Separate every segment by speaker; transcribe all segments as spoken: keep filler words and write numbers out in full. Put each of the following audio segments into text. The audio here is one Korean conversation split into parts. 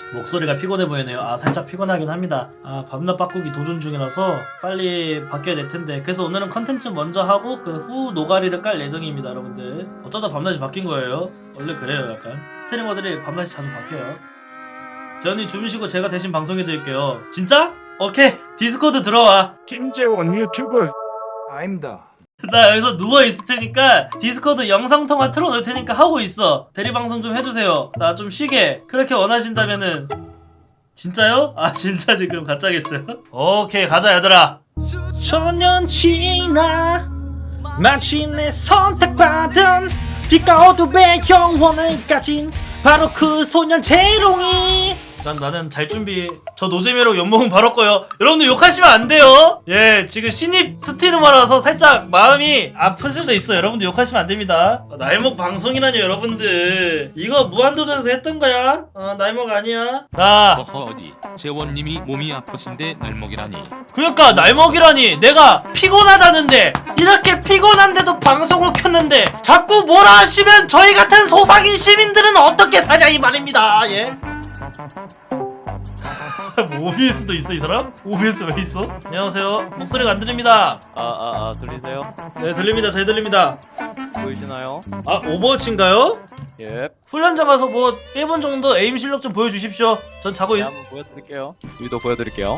Speaker 1: 목소리가 피곤해 보이네요. 아 살짝 피곤하긴 합니다. 아 밤낮 바꾸기 도전 중이라서 빨리 바뀌어야 될 텐데. 그래서 오늘은 컨텐츠 먼저 하고 그 후 노가리를 깔 예정입니다 여러분들. 어쩌다 밤낮이 바뀐 거예요. 원래 그래요. 약간 스트리머들이 밤낮이 자주 바뀌어요. 재현이 주무시고 제가 대신 방송해 드릴게요. 진짜? 오케이 디스코드 들어와.
Speaker 2: 김재원 유튜브.
Speaker 3: 아닙니다.
Speaker 1: 나 여기서 누워있을 테니까 디스코드 영상통화 틀어놓을 테니까 하고 있어. 대리방송 좀 해주세요. 나 좀 쉬게. 그렇게 원하신다면은. 진짜요? 아 진짜 지금 가짜겠어요? 오케이 가자 얘들아. 수천년 지나 마침내 선택받은 빛과 어둠의 영혼을 가진 바로 그 소년 재롱이. 난 나는 잘 준비. 저 노잼이라고 욕먹으면 바로 거요. 여러분들 욕하시면 안 돼요. 예, 지금 신입 스트리머라서 살짝 마음이 아플 수도 있어. 여러분들 욕하시면 안 됩니다. 어, 날먹 방송이라니 여러분들. 이거 무한도전에서 했던 거야. 어, 날먹 아니야. 자,
Speaker 4: 어허 어디 재원님이 몸이 아프신데 날먹이라니.
Speaker 1: 그러니까 날먹이라니. 내가 피곤하다는데 이렇게 피곤한데도 방송을 켰는데 자꾸 뭐라 하시면 저희 같은 소상인 시민들은 어떻게 사냐 이 말입니다. 예. 뭐 오비에스도 있어 이 사람? 오비에스 왜 있어? 안녕하세요. 목소리가 안 들립니다.
Speaker 5: 아아아 들리세요?
Speaker 1: 네 들립니다. 잘 들립니다.
Speaker 5: 보이시나요?
Speaker 1: 아 오버워치인가요?
Speaker 5: 예.
Speaker 1: 훈련장 가서 뭐 일 분 정도 에임 실력 좀 보여주십시오. 전 자고
Speaker 5: 네,
Speaker 1: 있...
Speaker 5: 한번 보여드릴게요. 위도 보여드릴게요.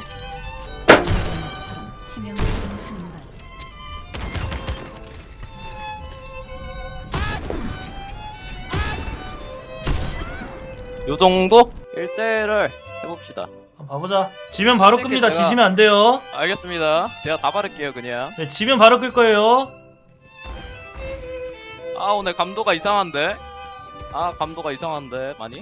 Speaker 5: 요 정도? 일 대일을 해봅시다.
Speaker 1: 한번 봐보자. 지면 바로
Speaker 5: 어떻게
Speaker 1: 끕니다.
Speaker 5: 제가-
Speaker 1: 지시면 안 돼요.
Speaker 5: 알겠습니다. 제가 다 바를게요 그냥.
Speaker 1: 네 지면 바로 끌 거예요.
Speaker 5: 아 오늘 감도가 이상한데? 아 감도가 이상한데 많이?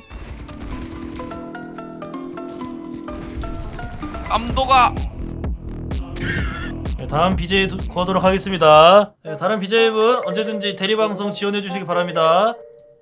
Speaker 5: 감도가
Speaker 1: 네, 다음 비제이 도- 구하도록 하겠습니다. 네, 다른 비제이분 언제든지 대리방송 지원해 주시기 바랍니다.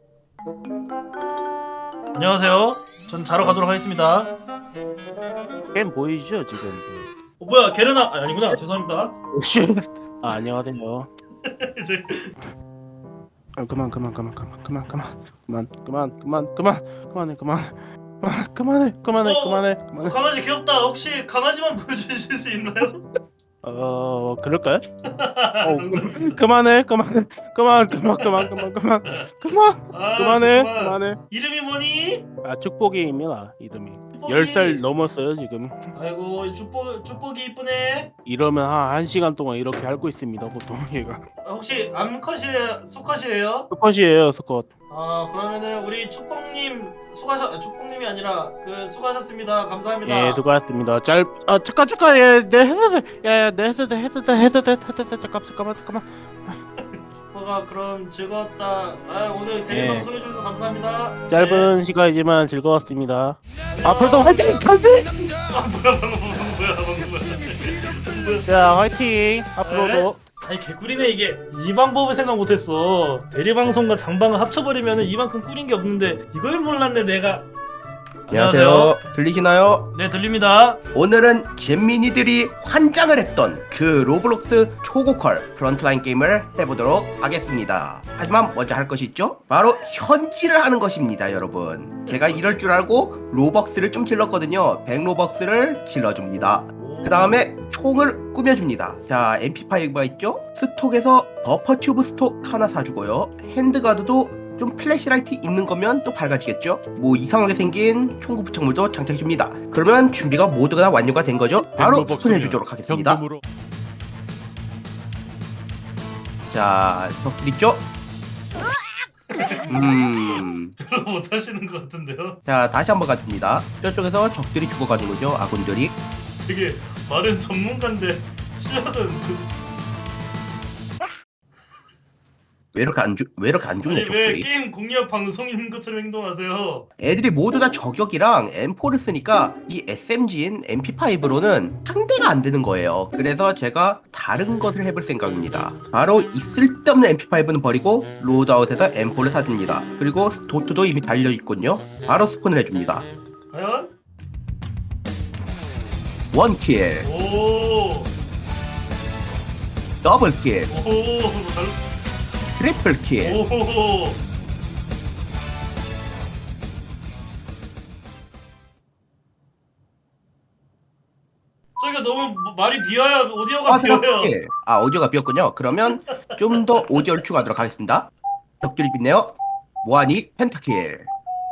Speaker 1: 안녕하세요. 전 자러 가도록 하겠습니다.
Speaker 6: 게임 보이죠 지금?
Speaker 1: 어, 뭐야 게르나 아, 아니구나. 죄송합니다.
Speaker 6: 오씨. 아 안녕하세요.
Speaker 1: 이제
Speaker 6: 아, 그만 그만 그만 그만 그만 그만 그만 그만 그만 그만 그만해 그만 그만 그만해 그만해
Speaker 1: 어.
Speaker 6: 그만해
Speaker 1: 어,
Speaker 6: 그만해.
Speaker 1: 강아지 귀엽다. 혹시 강아지만 보여주실 수 있나요?
Speaker 6: 어 그럴까요? 어 그- 그만해 그만해 그만 그만 그만 그만 그만 그만
Speaker 1: 아,
Speaker 6: 그만해
Speaker 1: 정말.
Speaker 6: 그만해.
Speaker 1: 이름이 뭐니?
Speaker 6: 아 축복이입니다 이름이.
Speaker 1: 축복이.
Speaker 6: 열 살 넘었어요 지금.
Speaker 1: 아이고 이 축복 축복이 이쁘네.
Speaker 6: 이러면 한 한 시간 동안 이렇게 앓고 있습니다 보통 얘가.
Speaker 1: 아, 혹시 암컷이에요? 수컷이에요?
Speaker 6: 스컷이에요 스컷.
Speaker 1: 아 그러면은 우리 축복님 수고하셨 아, 축복님이 아니라 그 수고하셨습니다. 감사합니다.
Speaker 6: 예 수고하셨습니다. 짤 아 잠깐 잠깐 예내 했었어 야내 했었어 했었어 했었어 했었어 잠깐 잠깐만 잠깐만.
Speaker 1: 축복아 그럼 즐거웠다. 아 오늘 대리
Speaker 6: 예.
Speaker 1: 방송 해주셔서 감사합니다.
Speaker 6: 짧은 시간이지만 즐거웠습니다. 앞으로도 화이팅! 가세!
Speaker 1: 네. 아 뭐야 방금 뭐야 방금 뭐야.
Speaker 6: 자 화이팅! 앞으로도.
Speaker 1: 아니 개꿀이네 이게. 이 방법을 생각 못했어. 대리방송과 장방을 합쳐버리면 이만큼 꿀인 게 없는데 이걸 몰랐네 내가.
Speaker 3: 안녕하세요. 들리시나요?
Speaker 1: 네 들립니다.
Speaker 3: 오늘은 잼민이들이 환장을 했던 그 로블록스 초고퀄 프런트라인 게임을 해보도록 하겠습니다. 하지만 먼저 할 것이 있죠? 바로 현질을 하는 것입니다 여러분. 제가 이럴 줄 알고 로벅스를 좀 질렀거든요. 백 로벅스를 질러줍니다. 그 다음에 총을 꾸며줍니다. 자 엠피파이브가 있죠? 스톡에서 버퍼 튜브 스톡 하나 사주고요. 핸드가드도 좀 플래시라이트 있는 거면 또 밝아지겠죠? 뭐 이상하게 생긴 총구 부착물도 장착해줍니다. 그러면 준비가 모두가 다 완료가 된 거죠? 바로 스폰해주도록 하겠습니다. 자, 적들 있죠? 음...
Speaker 1: 별로 못하시는 것 같은데요.
Speaker 3: 자, 다시 한번 가줍니다. 저쪽에서 적들이 죽어가는거죠, 아군들이.
Speaker 1: 되게 말은 전문가인데 실력은 그...
Speaker 3: 왜 이렇게 안 죽, 왜 이렇게 안 죽냐,
Speaker 1: 아니 왜
Speaker 3: 적들이.
Speaker 1: 게임 공략 방송인 것처럼 행동하세요?
Speaker 3: 애들이 모두 다 저격이랑 엠포를 쓰니까 이 에스엠지인 엠피파이브로는 상대가 안 되는 거예요. 그래서 제가 다른 것을 해볼 생각입니다. 바로 이 쓸데없는 엠피파이브는 버리고 로드아웃에서 엠포를 사줍니다. 그리고 도트도 이미 달려있군요. 바로 스폰을 해줍니다.
Speaker 1: 과연?
Speaker 3: 원킬,
Speaker 1: 오,
Speaker 3: 더블킬,
Speaker 1: 오, 달...
Speaker 3: 트리플킬.
Speaker 1: 오. 너무 말이 비어요. 오디오가
Speaker 3: 아,
Speaker 1: 비어요.
Speaker 3: 생각해. 아, 오디오가 비었군요. 그러면 좀 더 오디오를 추가하도록 하겠습니다. 벽돌이 빛네요. 모하니 펜타킬.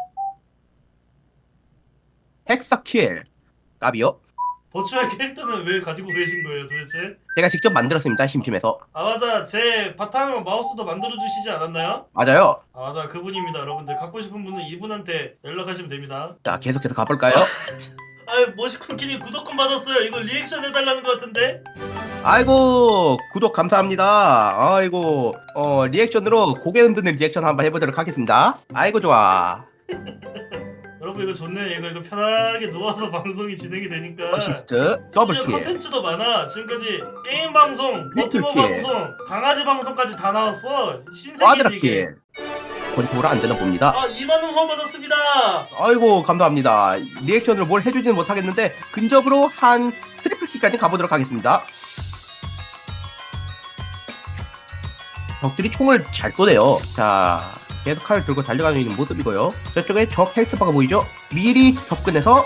Speaker 3: 헥사킬. 까비요.
Speaker 1: 버추얼 캐릭터는 왜 가지고 계신 거예요 도대체?
Speaker 3: 제가 직접 만들었습니다. 심심해서.
Speaker 1: 아 맞아, 제 바탕 마우스도 만들어 주시지 않았나요?
Speaker 3: 맞아요.
Speaker 1: 아 맞아, 그분입니다. 여러분들 갖고 싶은 분은 이분한테 연락하시면 됩니다.
Speaker 3: 자, 계속해서 가볼까요?
Speaker 1: 아 머시콘키님 구독권 받았어요. 이거 리액션 해달라는 것 같은데?
Speaker 3: 아이고, 구독 감사합니다. 아이고, 어, 리액션으로 고개 흔드는 리액션 한번 해보도록 하겠습니다. 아이고, 좋아.
Speaker 1: 여러분 이거 좋네. 이거 이거 편하게 누워서 방송이 진행이 되니까.
Speaker 3: 어시스트, 더블킬.
Speaker 1: 컨텐츠도 많아. 지금까지 게임 방송, 버티머
Speaker 3: 리틀킬.
Speaker 1: 방송, 강아지 방송까지 다 나왔어. 신세계지 이게.
Speaker 3: 꽈드라킬. 권총으로 안 되나 봅니다.
Speaker 1: 아 이만 원 후원 받았습니다.
Speaker 3: 아이고, 감사합니다. 리액션으로 뭘 해주지는 못하겠는데, 근접으로 한 트리플킬까지 가보도록 하겠습니다. 적들이 총을 잘 쏘네요. 자, 계속 칼을 들고 달려가는 있는 모습이고요. 저쪽에 적 헬스바가 보이죠? 미리 접근해서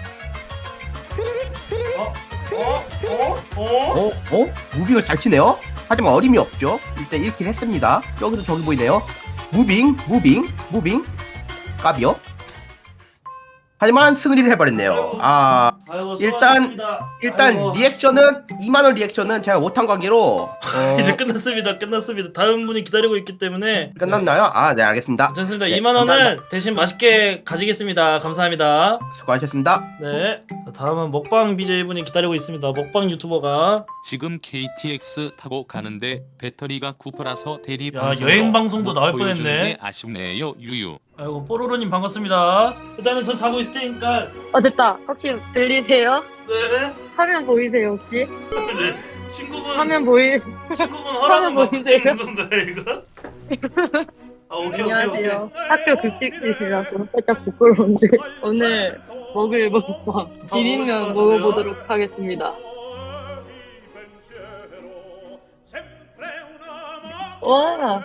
Speaker 1: 어? 어? 어? 어?
Speaker 3: 어? 어? 무빙을 잘 치네요? 하지만 어림이 없죠? 일단 일 킬 했습니다. 여기서 저기 보이네요. 무빙, 무빙, 무빙. 까비요? 하지만 승리를 해버렸네요. 아,
Speaker 1: 아이고,
Speaker 3: 일단-
Speaker 1: 수고하셨습니다.
Speaker 3: 일단
Speaker 1: 아이고.
Speaker 3: 리액션은 이만 원 리액션은 제가 못한 관계로 어,
Speaker 1: 이제 끝났습니다. 끝났습니다. 다음 분이 기다리고 있기 때문에
Speaker 3: 끝났나요? 아, 네, 알겠습니다.
Speaker 1: 괜찮습니다.
Speaker 3: 네,
Speaker 1: 이만 원은
Speaker 3: 감사합니다.
Speaker 1: 대신 맛있게 가지겠습니다. 감사합니다.
Speaker 3: 수고하셨습니다.
Speaker 1: 네. 자, 다음은 먹방 비제이 분이 기다리고 있습니다. 먹방 유튜버가.
Speaker 4: 지금 케이티엑스 타고 가는데 배터리가 구퍼라서 대리
Speaker 1: 야,
Speaker 4: 방송
Speaker 1: 여행 방송도 나올
Speaker 4: 보여주는
Speaker 1: 뻔했네.
Speaker 4: 게 아쉽네요. 유유.
Speaker 1: 아이고 뽀로로님 반갑습니다. 일단은 전 자고 있을 테니까.
Speaker 2: 어 됐다. 혹시 들리세요?
Speaker 1: 네.
Speaker 2: 화면 보이세요 혹시?
Speaker 1: 네. 친구분
Speaker 2: 화면 보이?
Speaker 1: 친구분 허락은
Speaker 2: 화면
Speaker 1: 받고
Speaker 2: 보이세요?
Speaker 1: 찍는 건가요 이거? 아 오케이 오케이 오케이.
Speaker 2: 안녕하세요. 학교 급식실이라서 살짝 부끄러운데 오늘 먹을 먹방 비빔면 먹어보도록 하겠습니다. 와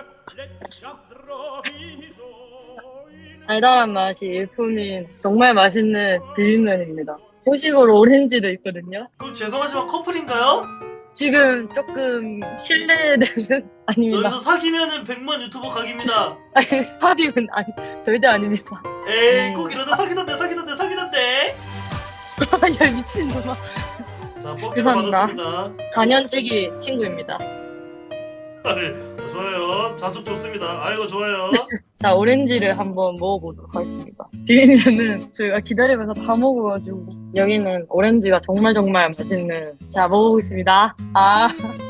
Speaker 2: 달달한 맛이 일품인 정말 맛있는 비빔면입니다. 후식으로 오렌지도 있거든요.
Speaker 1: 그럼 죄송하지만 커플인가요?
Speaker 2: 지금 조금 실례되는 아닙니다.
Speaker 1: 여기서 사귀면은 백만 유튜버 각입니다.
Speaker 2: 아니 사비은 아니 절대 아닙니다.
Speaker 1: 에이 꼭 이러다 사귀던데 사귀던데 사귀던데.
Speaker 2: 야 미친놈아.
Speaker 1: 자 뻑기로
Speaker 2: 죄송합니다.
Speaker 1: 받았습니다.
Speaker 2: 사 년째기 친구입니다.
Speaker 1: 네, 좋아요. 자숙 좋습니다. 아이고 좋아요.
Speaker 2: 자 오렌지를 한번 먹어보도록 하겠습니다. 비빔면은 저희가 기다리면서 다 먹어가지고 여기는 오렌지가 정말 정말 맛있는. 자 먹어보겠습니다. 아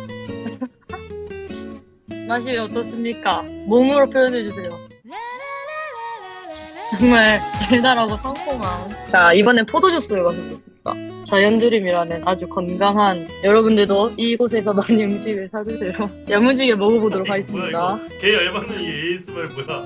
Speaker 2: 맛이 어떻습니까? 몸으로 표현해주세요. 정말 달달하고 상콤한. 자 이번엔 포도주스를 마셔보겠습니다. 자연드림이라는 아주 건강한, 여러분들도 이곳에서 많이 음식을 사드세요. 야무지게 먹어보도록 하겠습니다.
Speaker 1: 뭐야 이거? 개 열받는 이 에이스말 뭐야?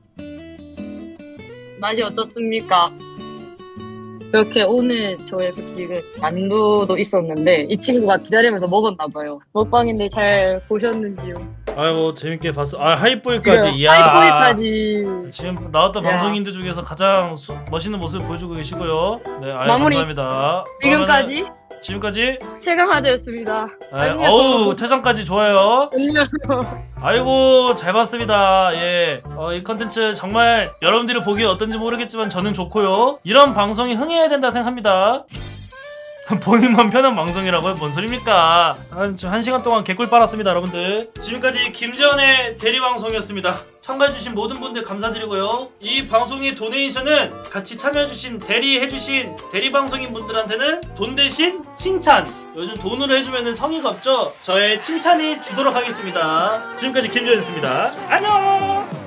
Speaker 2: 맛이 어떻습니까? 이렇게 오늘 저의 급식은 만두도 있었는데 이 친구가 기다리면서 먹었나봐요. 먹방인데 잘 보셨는지요?
Speaker 1: 아이고 재밌게 봤어. 아 하이보이까지.
Speaker 2: 그래요.
Speaker 1: 이야.
Speaker 2: 하이보이까지.
Speaker 1: 지금 나왔던
Speaker 2: 야.
Speaker 1: 방송인들 중에서 가장 수, 멋있는 모습을 보여주고 계시고요. 네, 아유,
Speaker 2: 마무리.
Speaker 1: 감사합니다.
Speaker 2: 지금까지
Speaker 1: 그러면은 지금까지.
Speaker 2: 최강하자였습니다.
Speaker 1: 아유,
Speaker 2: 안녕.
Speaker 1: 어우 퇴장까지 좋아요.
Speaker 2: 안녕.
Speaker 1: 아이고 잘 봤습니다. 예, 어, 이 컨텐츠 정말 여러분들이 보기에 어떤지 모르겠지만 저는 좋고요. 이런 방송이 흥해야 된다 생각합니다. 본인만 편한 방송이라고요? 뭔 소리입니까? 한, 지금 한 시간 동안 개꿀 빨았습니다 여러분들. 지금까지 김재원의 대리방송이었습니다. 참가해주신 모든 분들 감사드리고요. 이 방송의 도네이션은 같이 참여해주신 대리해주신 대리방송인 분들한테는 돈 대신 칭찬, 요즘 돈으로 해주면 성의가 없죠? 저의 칭찬이 주도록 하겠습니다. 지금까지 김재원이었습니다. 안녕.